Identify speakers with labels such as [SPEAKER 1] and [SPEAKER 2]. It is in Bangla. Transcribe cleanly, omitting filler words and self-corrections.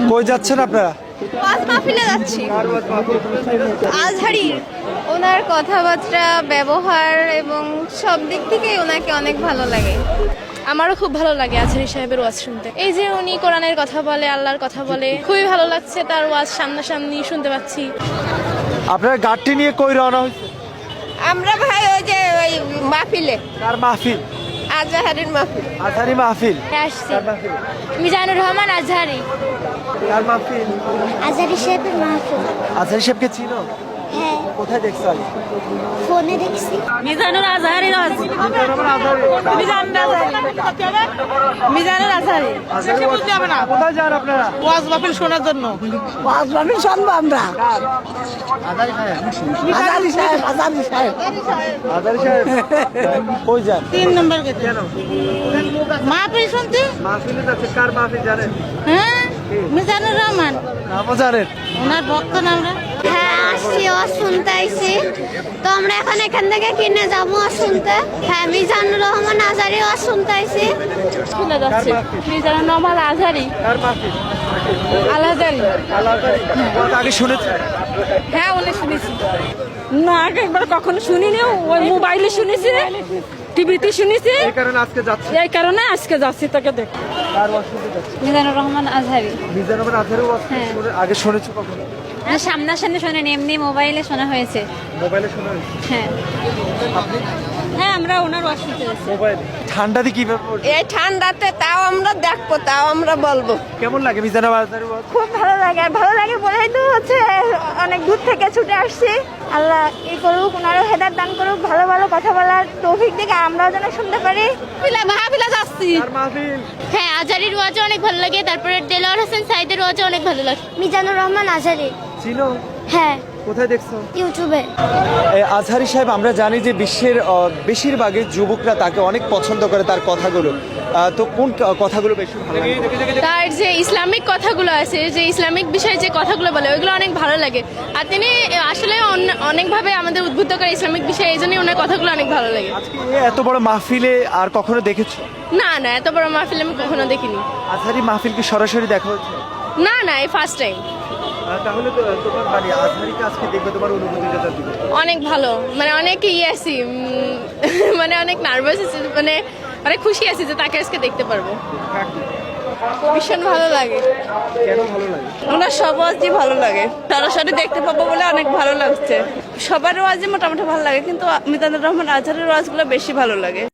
[SPEAKER 1] কই যাচ্ছেন আপনারা?
[SPEAKER 2] ওয়াজ মাহফিলে যাচ্ছি। আজহারি, ওনার কথাবার্তা, ব্যবহার এবং সব দিক থেকেই ওনাকে অনেক ভালো লাগে। আমারও খুব ভালো লাগে আজহারি সাহেবের ওয়াজ শুনতে। এই যে উনি কোরআনের কথা বলে, আল্লাহর কথা বলে, খুবই ভালো লাগছে তার ওয়াজ সামনাসামনি শুনতে পাচ্ছি।
[SPEAKER 1] আপনারা গাড়িটি নিয়ে কই রওনা হয়েছে?
[SPEAKER 2] আমরা ভাই ওই যে ওই মাহফিলে,
[SPEAKER 1] কার মাহফিল?
[SPEAKER 2] আজহারির মাহফিল।
[SPEAKER 1] আজহারি মাহফিল।
[SPEAKER 2] আসছি।
[SPEAKER 1] কার মাহফিল?
[SPEAKER 2] মিজানুর রহমান আজহারি।
[SPEAKER 1] কার মাহফিল?
[SPEAKER 3] আজহারি সাহেবের মাহফিল।
[SPEAKER 1] আজহারি সাহেবকে চিনো?
[SPEAKER 3] হ্যাঁ,
[SPEAKER 1] কোথায় দেখছো আগে?
[SPEAKER 3] ফোনে দেখছি।
[SPEAKER 2] মিজানুর আজহারি। মিজানুর আজহারি।
[SPEAKER 1] কোথায় যান আপনারা?
[SPEAKER 4] ওয়াজ মাহফিল শোনার জন্য।
[SPEAKER 3] ওয়াজ মাহফিল শুনবো আমরা।
[SPEAKER 1] আজহারি সাহেব।
[SPEAKER 3] আজহারি সাহেব, আজহারি সাহেব।
[SPEAKER 1] আজহারি সাহেব কই যান?
[SPEAKER 4] 3 নম্বর গেছে
[SPEAKER 1] কেন?
[SPEAKER 4] মাহফিল শুনতে।
[SPEAKER 1] মাহফিলে যাচ্ছে। কার মাহফিল জানেন?
[SPEAKER 4] হ্যাঁ, মিজানুর রহমান,
[SPEAKER 1] নামও জানেন?
[SPEAKER 4] ওনার ভক্ত না আমরা।
[SPEAKER 3] হ্যাঁ, আসছি, ওয়াজ শুনতে আইছি। তো আমরা এখন এখান থেকে কিনে যাবো ওয়াজ শুনতে। হ্যাঁ, মিজানুর রহমান আজহারি ওয়াজ শুনতে আইছি।
[SPEAKER 2] শুনে যাচ্ছে মিজানুর রহমান আজহারি।
[SPEAKER 1] কার মাহফিল?
[SPEAKER 2] আজহারি।
[SPEAKER 1] ওয়াজ আগে শুনেছেন?
[SPEAKER 2] হ্যাঁ, উনি শুনেছি।
[SPEAKER 4] না, আগে একবার কখনো শুনিনি, ওই মোবাইলে শুনেছি, টিভিতে শুনেছি,
[SPEAKER 1] এই কারণে আজকে যাচ্ছে।
[SPEAKER 4] এই কারণে আজকে যাচ্ছি তোকে দেখ।
[SPEAKER 1] কার ওয়াজ শুনতে যাচ্ছে?
[SPEAKER 2] মিজানুর রহমান আজহারি।
[SPEAKER 1] মিজানুর রহমান আজহারি ওয়াজ আগে শুনেছো কখনো?
[SPEAKER 2] সামনাসামনি শোনেন, এমনি মোবাইলে শোনা হয়েছে।
[SPEAKER 1] মোবাইলে শোনা হয়েছে?
[SPEAKER 2] হ্যাঁ
[SPEAKER 1] আপনি
[SPEAKER 4] হ্যাঁ, আমরা ওনার ওয়াজ শুনতে যাচ্ছি।
[SPEAKER 1] মোবাইলে? ঠান্ডাতে কিভাবে পড়ছে?
[SPEAKER 2] এই ঠান্ডাতে তাও আমরা দেখবো, তাও আমরা বলবো।
[SPEAKER 1] কেমন লাগে মিজানুর রহমান আজহারি ওয়াজ?
[SPEAKER 2] খুব ভালো লাগে। আর ভালো লাগে বলেই তো হচ্ছে অনেক দূর থেকে ছুটে আসছি। আল্লাহ ই করুক, ওনারও হেদায়েত দান করুক, ভালো ভালো কথা বলার তৌফিক দিকে আমরাও যেন শুনতে পারি। মাহফিলে যাচ্ছি।
[SPEAKER 1] কার মাহফিল?
[SPEAKER 2] হ্যাঁ, আজহারির ওয়াজও অনেক ভালো লাগে। তারপরে দেলোয়ার হোসেন সাইদের ওয়াজও অনেক ভালো লাগে।
[SPEAKER 3] মিজানুর রহমান আজহারি।
[SPEAKER 1] চিনো?
[SPEAKER 3] হ্যাঁ,
[SPEAKER 1] কোথায় দেখছো?
[SPEAKER 3] ইউটিউবে।
[SPEAKER 1] আজহারি সাহেব, আমরা জানি যে বিশ্বের বেশিরভাগই যুবকরা তাকে অনেক পছন্দ করে, তার কথাগুলো। তো কোন কথাগুলো বেশি ভালো লাগে?
[SPEAKER 2] তার যে ইসলামিক কথাগুলো আছে, যে ইসলামিক বিষয়ে যে কথাগুলো বলে, ওইগুলো অনেক ভালো লাগে। আর তিনি আসলে অনেকভাবে আমাদের উদ্বুদ্ধ করে ইসলামিক বিষয়ে, এই জন্যই ওনার কথাগুলো অনেক ভালো লাগে।
[SPEAKER 1] আজকে এত বড় মাহফিলে আর কখনো দেখেছো?
[SPEAKER 2] না না, এত বড় মাহফিল আমি কখনো দেখিনি।
[SPEAKER 1] আজহারি মাহফিল কি সরাসরি দেখা হচ্ছে?
[SPEAKER 2] না না, এই ফার্স্ট টাইম।
[SPEAKER 1] তাহলে তো তোমার মানে আজহারিকে আজকে দেখবে, তোমার অনুভূতিটা দিবে।
[SPEAKER 2] অনেক ভালো, মানে অনেক আছি, মানে অনেক নার্ভাস আছি, মানে অনেক খুশি আছি যে তাকে আজকে দেখতে পারবো। ভীষণ ভালো লাগে।
[SPEAKER 1] কেন ভালো লাগে?
[SPEAKER 2] ওনার সব ওয়াজই ভালো লাগে, সরাসরি দেখতে পাবো বলে অনেক ভালো লাগছে। সবার ওয়াজই মোটামুটি ভালো লাগে, কিন্তু মিজানুর রহমান আজহারের ওয়াজগুলো বেশি ভালো লাগে।